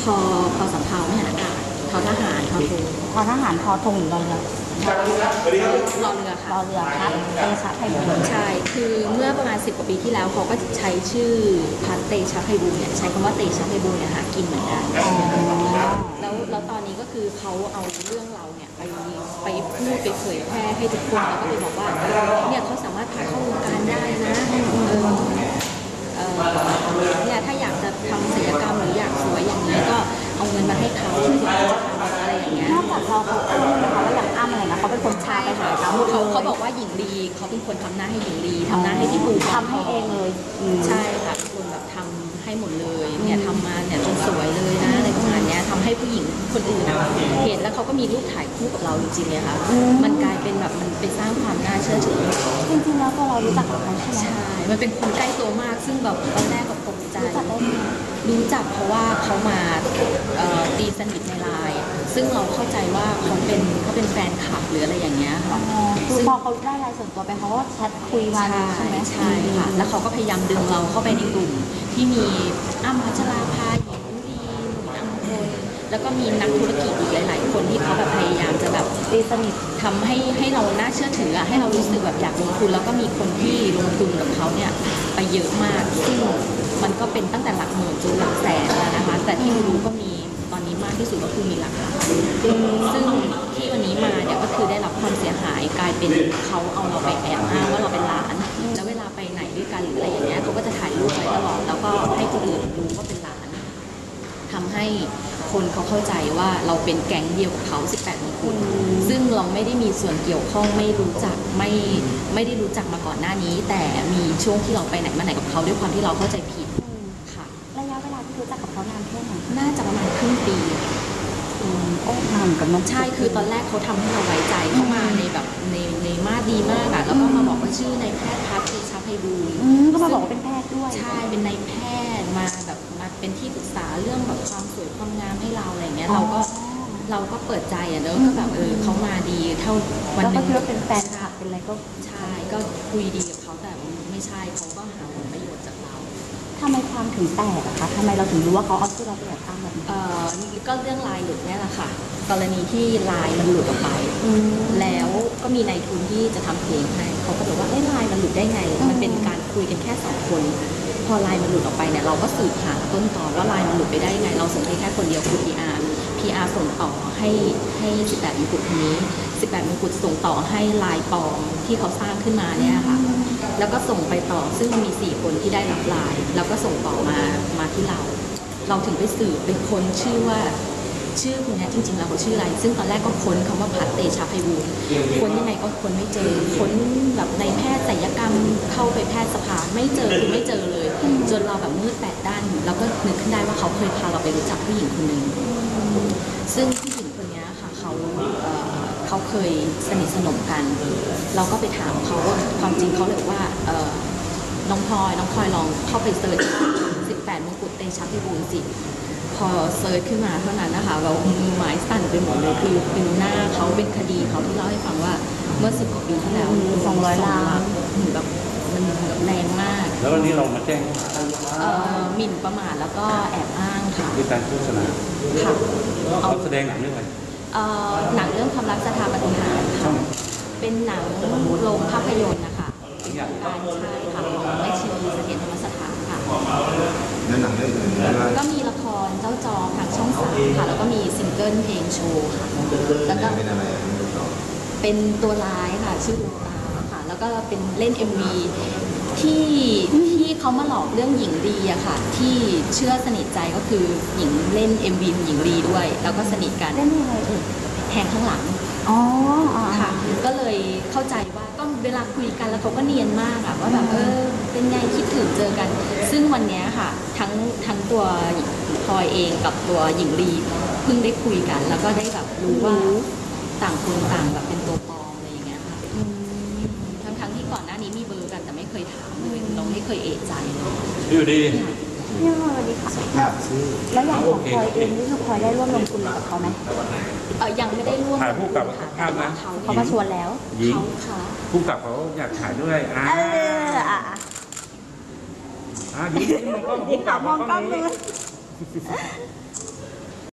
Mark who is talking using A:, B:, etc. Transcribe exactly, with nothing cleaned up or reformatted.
A: อพอสำเภาไม่หาอากาศทอทหารทอธง
B: ทอทหารทอธงหรือรอเรือ
A: รอเรือค่ะ
B: รอเรือพัดเตชะไพบูลย์
A: ใช่คือเมื่อประมาณสิบกว่าปีที่แล้วเขาก็ใช้ชื่อพัดเตชะไพบูลย์เนี่ยใช้คำว่าเตชะไพบูลย์เนี่ยหากินเหมือนกันแล้วแล้วตอนนี้ก็คือเขาเอาเรื่องเราเนี่ยไปไปพูดไปเผยแพร่ให้ทุกคนแล้วก็ไปบอกว่าเนี่ยเขาสามารถพาเข้าวงการได้นะเออเนี่ยถ้าอยากจะทำศัลยกรรมหรืออยากสวยอย่างนี้ก็เอาเงินมาให้เขาเพื่อที่จะทำอะไรอย่างเงี้ย
B: นอกจากเราเขาอ้างนะคะว่าอย่างอ้ำอะไรนะเขาเป็นคนชาไปหาเขา
A: เขาเขาบอกว่าหญิงลีเขาเป็นคนทำหน้าให้หญิงลีทำหน้าให้ที่ปู
B: ทำให้เองเลย
A: ใช่ค่ะเป็นคนแบบทำให้หมดเลยเนี่ยทำมาเนี่ยจนสวยเลยนะอะไรประมาณนี้ทำให้ผู้หญิงคนอื่นเห็นแล้วเขาก็มีรูปถ่ายคู่กับเราจริงๆเลยค่ะมันกลายเป็นแบบมันไปสร้างความน่าเชื่อถือ
B: จริงๆแล้วตัวเรารู้จักกับเขาใช่ไหม
A: ใช่มันเป็นคนใกล้ตัวมากซึ่งแบบตอนแรกก็ตกใจ
B: รู้จักได้ไง
A: รู้จักเพราะว่าเขามาตีสนิทในไลน์ซึ่งเราเข้าใจว่าเขาเป็นเขาเป็นแฟนคลับหรืออะไรอย่างเงี้ยค่ะ
B: คือพอเขาได้ไลน์ส่วนตัวไปเขาก็แชทคุยมาใช่ไหม
A: ใช่ค่ะแล้วเขาก็พยายามดึงเราเข้าไปในกลุ่มที่มีอ้ำพัชราภาหญิงลีหนุ่มอัมพลแล้วก็มีนักธุรกิจอีกหลายๆคนที่เขาแบบพยายามจะแบบ
B: ตีสนิท
A: ทำให้ให้เราน่าเชื่อถือให้เรารู้สึกแบบอยากลงทุนแล้วก็มีคนที่ลงทุนกับเขาเนี่ยไปเยอะมากซึ่งมันก็เป็นตั้งแต่หลักหมื่นจนหลักแสนแล้วนะคะแต่ที่รู้ก็มีตอนนี้มากที่สุดก็คือมีหลักล้านซึ่งที่วันนี้มาเนี่ยก็คือได้รับความเสียหายกลายเป็นเขาเอาเราไปแอบอ้างว่าเราเป็นหลานแล้วเวลาไปไหนด้วยกันหรืออะไรอย่างเงี้ยเขาก็จะถ่ายรูปไว้ตลอดแล้วก็ให้คนอื่นรู้ว่าเป็นหลานทำให้คนเขาเข้าใจว่าเราเป็นแก๊งเดียวกับเขาสิบแปดมงกุฎซึ่งเราไม่ได้มีส่วนเกี่ยวข้องไม่รู้จักไม่ไม่ได้รู้จักมาก่อนหน้านี้แต่มีช่วงที่เราไปไหนมาไหนกับเขาด้วยความที่เราเข้าใจผิดค่ะ
B: ระยะเวลาที่รู้จักกับเขานานแค่ไหน
A: น่าจะประมาณครึ่งปี
B: โอ้นานกันน้อง
A: ใช่คือตอนแรกเขาทำให้เราไว้ใจเข้ามาในแบบในในมาดีมากอะแล้วก็มาบอกว่าชื่อนายแพทย์พัฒน์เตชะไพบูลย์
B: ก็มาบอกว่าเป็นแพทย์ด้วย
A: ใช่เป็นนายแพทย์มาแบบมาเป็นที่ปรึกษาเรื่องแบบความสวยความงามให้เราอะไรเงี้ยเราก็เราก็เปิดใจอะเนอะก็แบบเออเขามาดีเท่าวันนึง
B: แล้วก็คิดว่าเป็นแฟนคลับเป็นอะไรก็
A: ใช่ก็คุยดีกับเขาแต่ไม่ใช่เขาก็หาผลประโยชน์จากเรา
B: ทำไมความถึงแตกอะคะทำไมเราถึงรู้ว่าเขาเอาชื่อเราไปแอบอ้างแบบนี้
A: เอ่อก็เรื่องลายหลุดเนี่ยแหละค่ะกรณีที่ลายมันหลุดออกไปแล้วก็มีนายทุนที่จะทำเพลงให้เขาก็บอกว่าเอ้ยลายมันหลุดได้ไงมันเป็นการคุยกันแค่สองคนพอลายมันหลุดออกไปเนี่ยเราก็สืบหาต้นตอว่าลายมันหลุดไปได้ยังไงเราส่งให้แค่คนเดียวคือ พี อาร์ พี อาร์ ส่งต่อให้ให้สิบแปดมงกุฎคนนี้สิบแปดมงกุฎส่งต่อให้ลายปลอมที่เขาสร้างขึ้นมาเนี่ยค่ะแล้วก็ส่งไปต่อซึ่งมีสี่คนที่ได้รับลายแล้วก็ส่งต่อมามาที่เราเราถึงไปสืบเป็นคนชื่อว่าชื่อคนนี้จริงๆแล้วเขาชื่ออะไรซึ่งตอนแรกก็ค้นคำว่าพัฒน์เตชะไพบูลย์ค้นยังไงก็ค้นไม่เจอค้นแบบในแพทย์ศัลยกรรมเข้าไปแพทย์สภาไม่เจอคือไม่เจอเลยจนเราแบบมืดแปดด้านเราก็นึกขึ้นได้ว่าเขาเคยพาเราไปรู้จักผู้หญิงคนหนึ่งซึ่งผู้หญิงคนนี้ค่ะเขาเขาเคยสนิทสนมกันเราก็ไปถามเขาว่าความจริงเขาเลยว่าน้องพลอยน้องพลอยลองเข้าไปเซิร์ชสิบแปดมงกุฎเตชะไพบูลย์สิพอเซิร์ชขึ้นมาเท่านั้นนะคะเรามือไม้สั่นไปหมดเลยคือเป็นหน้าเขาเป็นคดีเขาที่เล่าให้ฟังว่าเมื่อสิบกว่าปีที่แล้ว
B: สองร้อยล้าน
A: แบบมันแรงมาก
C: แล้ววันนี้เรามาแจ้ง
A: หมิ่นประมาทแล้วก็แอบอ้างค่ะ
C: ด้วยการโฆษณา
A: ค่ะ
C: เขาแสดงหนังเรื่องอะไร
A: หนังเรื่องความรักสถาปนิกค่ะเป็นหนังโรงภาพยนตร์นะคะการใช้ค่ะของแม่ชีเสถียรธรรมสถานค่ะ
D: แล้วหนังเรื่องอื่น
A: ก็มีละครเจ้าจอทางช่องสามค่ะแล้วก็มีซิงเกิลเพลงโชว์ค่ะแล้วก็
D: เป็นอะไร
A: เป็นตัวร้ายค่ะชื่อดวงตาค่ะแล้วก็เป็นเล่น เอ็ม วี ที่ที่เขามาหลอกเรื่องหญิงลีอะค่ะที่เชื่อสนิทใจก็คือหญิงเล่น เอ็ม วี หญิงลีด้วยแล้วก็สนิทกัน
B: เล่นอะไรเอ่ย
A: แทงข้างหลัง
B: อ๋อ
A: ค่ะก็เลยเข้าใจว่าก็เวลาคุยกันแล้วเขาก็เนียนมากอะว่าแบบเออเป็นไงคิดถึงเจอกันซึ่งวันนี้ค่ะทั้งทั้งตัวพลอยเองกับตัวหญิงลีเพิ่งได้คุยกันแล้วก็ได้แบบรู้ว่าต่างคนต่างแบบเป็นตัวปลอมอะไรอย่างเงี้ยค่ะทั้งทั้งที่ก่อนหน้านี้มีเบอร์กันแต่ไม่เคยถามเลยเราไม่เคยเอะใจเลย
C: อยู่ดี
B: พี่สวัสดีค่ะแล้วอย่างของพลอยเองนี่คือพลอยได้ร่วมลงทุนกับเขาไหม
A: เออยังไม่ได้ร่วม
C: ถ่ายผู้กับภาพนะ
B: เขามาชวนแล้ว
A: เขาค่ะ
C: ผู้กับเขาอยากถ่ายด้วยอ่า
B: เอออ่ะ
C: อ่ะยิ้มมองกล้อง
B: ยิ้มมองกล้องเลย